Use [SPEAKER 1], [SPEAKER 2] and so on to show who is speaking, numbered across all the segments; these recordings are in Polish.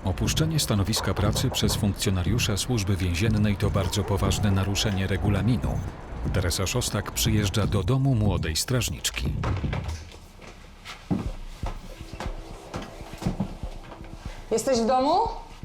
[SPEAKER 1] Opuszczenie stanowiska pracy przez funkcjonariusza Służby Więziennej to bardzo poważne naruszenie regulaminu. Teresa Szostak przyjeżdża do domu młodej strażniczki.
[SPEAKER 2] Jesteś w domu?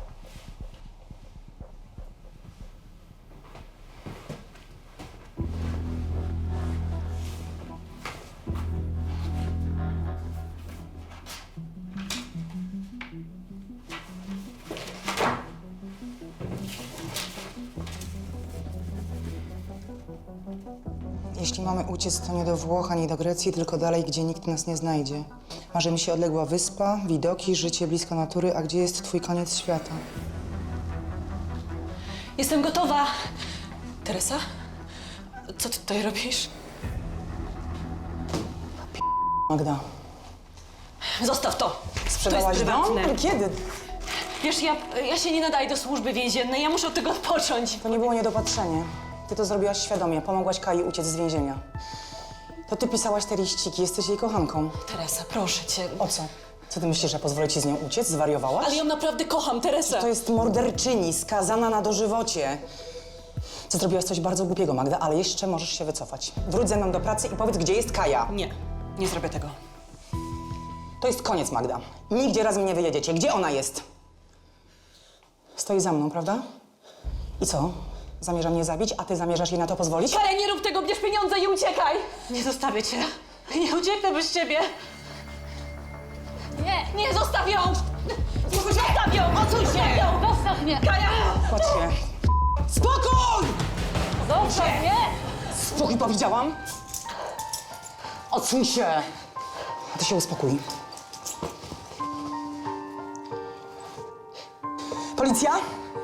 [SPEAKER 2] Jeśli mamy uciec, to nie do Włoch, ani do Grecji, tylko dalej, gdzie nikt nas nie znajdzie. Marzy mi się odległa wyspa, widoki, życie blisko natury, a gdzie jest twój koniec świata?
[SPEAKER 3] Jestem gotowa. Teresa? Co ty tutaj robisz?
[SPEAKER 2] Magda,
[SPEAKER 3] Zostaw to.
[SPEAKER 2] sprzedałaś
[SPEAKER 3] to jest prywatne.
[SPEAKER 2] dom? Kiedy?
[SPEAKER 3] Wiesz, ja się nie nadaję do służby więziennej. Ja muszę od tego odpocząć.
[SPEAKER 2] To nie było niedopatrzenie. Ty to zrobiłaś świadomie, pomogłaś Kai uciec z więzienia. To ty pisałaś te liściki, jesteś jej kochanką.
[SPEAKER 3] Teresa, proszę cię.
[SPEAKER 2] O co? Co ty myślisz, że pozwolę ci z nią uciec? Zwariowałaś?
[SPEAKER 3] Ale ją naprawdę kocham, Teresa.
[SPEAKER 2] To jest morderczyni, skazana na dożywocie. Co zrobiłaś coś bardzo głupiego, Magda, ale jeszcze możesz się wycofać. Wróć ze mną do pracy i powiedz, gdzie jest Kaja.
[SPEAKER 3] Nie zrobię tego.
[SPEAKER 2] To jest koniec, Magda. Nigdzie razem nie wyjedziecie. Gdzie ona jest? Stoi za mną, prawda? I co? Zamierza mnie zabić, a ty zamierzasz jej na to pozwolić?
[SPEAKER 3] Kaja, nie rób tego, bierz pieniądze i uciekaj. Nie zostawię cię. Nie ucieknę bez ciebie. Nie, zostaw ją! Zostaw ją! Odsuń się! Zostaw mnie! Kaja!
[SPEAKER 2] Chodź się. Spokój!
[SPEAKER 3] Zostaw mnie!
[SPEAKER 2] Spokój, powiedziałam. Odsuń się. A ty się uspokój. Policja?